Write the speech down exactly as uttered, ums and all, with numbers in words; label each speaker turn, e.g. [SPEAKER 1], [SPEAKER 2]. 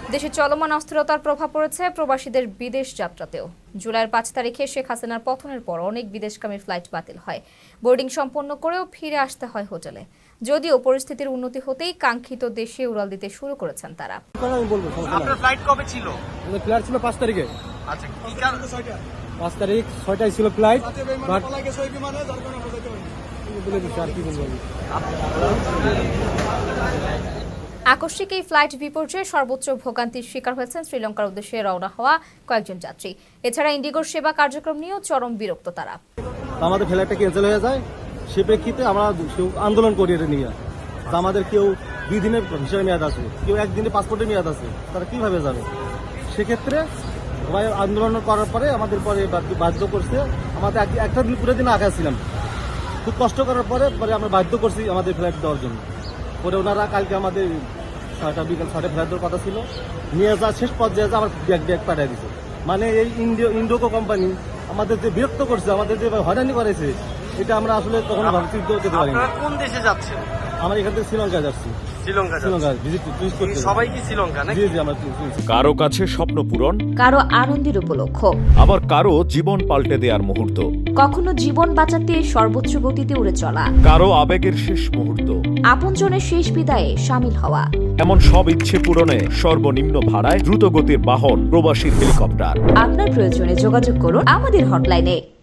[SPEAKER 1] দেশে চলমান অস্থিরতার প্রভাব পড়েছে প্রবাসীদের বিদেশ যাত্রাতেও। জুলাইয়ের পাঁচ তারিখে শেখ হাসিনার পতনের পর অনেক বিদেশগামী ফ্লাইট বাতিল হয়। বোর্ডিং সম্পন্ন করেও ফিরে আসতে হয় হোটেলে। যদিও পরিস্থিতির উন্নতি হতেই কাঙ্ক্ষিত দেশে উড়াল দিতে শুরু করেছেন তারা।
[SPEAKER 2] আপনার ফ্লাইট কবে ছিল?
[SPEAKER 3] আমাদের ফ্লাইট ছিল পাঁচ তারিখে।
[SPEAKER 2] আচ্ছা, কি কারণে?
[SPEAKER 3] পাঁচ তারিখ ছয়টায় ছিল ফ্লাইট। বাট বলে দিচ্ছি আর কি বলবো আমি।
[SPEAKER 1] আকস্মিক এই ফ্লাইট বিপর্যয়ে সর্বোচ্চ ভোগান্তির শিকার হয়েছেন শ্রীলঙ্কার উদ্দেশ্যে রওনা হওয়া কয়েকজন যাত্রী। এছাড়া ইন্ডিগোর সেবা কার্যক্রম নিয়েও চরম বিরক্ত তারা।
[SPEAKER 3] আমাদের ফ্লাইটটা ক্যান্সেল হয়ে যায়, সে প্রেক্ষিতে আমরা আন্দোলন করি এটা নিয়ে। আমাদের কেউ দুই দিনের ভিসার মেয়াদ আছে, কেউ একদিনের পাসপোর্টের মেয়াদ আছে, তারা কিভাবে যাবে? সেক্ষেত্রে সবাই আন্দোলন করার পরে আমাদের পরে বাধ্য করছে। আমাদের একটা দিন পুরো দিন আগে ছিলাম, খুব কষ্ট করার পরে পরে আমরা বাধ্য করছি আমাদের ফ্লাইট দেওয়ার জন্য। পরে ওনারা কালকে আমাদের ছয়টা বিকাল ছয়টা ফ্লাইট দেওয়ার কথা ছিল, নিয়ে যা শেষ পর্যায়ে যা আমার ব্যাগ ব্যাগ পাঠিয়ে দিচ্ছে। মানে এই ইন্ডিও ইন্ডোকো কোম্পানি আমাদের যে বিরক্ত করছে, আমাদের যে হয়রানি করেছে, এটা আমরা আসলে কখনো ভাবতে করতে পারি না।
[SPEAKER 2] কোন দেশে যাচ্ছেন?
[SPEAKER 3] আমরা এখান থেকে শ্রীলঙ্কায় যাচ্ছি।
[SPEAKER 2] শ্রীলঙ্কা
[SPEAKER 3] শ্রীলঙ্কা ভিজিট টুরিস্ট করতে।
[SPEAKER 2] সবাই কি শ্রীলঙ্কা নাকি?
[SPEAKER 3] জি জি আমরা
[SPEAKER 4] কারো কাছে স্বপ্ন পূরণ,
[SPEAKER 1] কারো আনন্দের উপলক্ষ,
[SPEAKER 4] আবার কারো জীবন পাল্টে দেওয়ার মুহূর্ত,
[SPEAKER 1] কখনো জীবন বাঁচাতে সর্বোচ্চ গতিতে উড়ে চলা,
[SPEAKER 4] কারো আবেগের শেষ মুহূর্ত,
[SPEAKER 1] আপনজনের শেষ বিদায়ে সামিল হওয়া।
[SPEAKER 4] এমন সব ইচ্ছে পূরণে সর্বনিম্ন ভাড়ায় দ্রুতগতির বাহন প্রবাসী হেলিকপ্টার।
[SPEAKER 1] আপনার প্রয়োজনে যোগাযোগ করুন আমাদের হটলাইনে।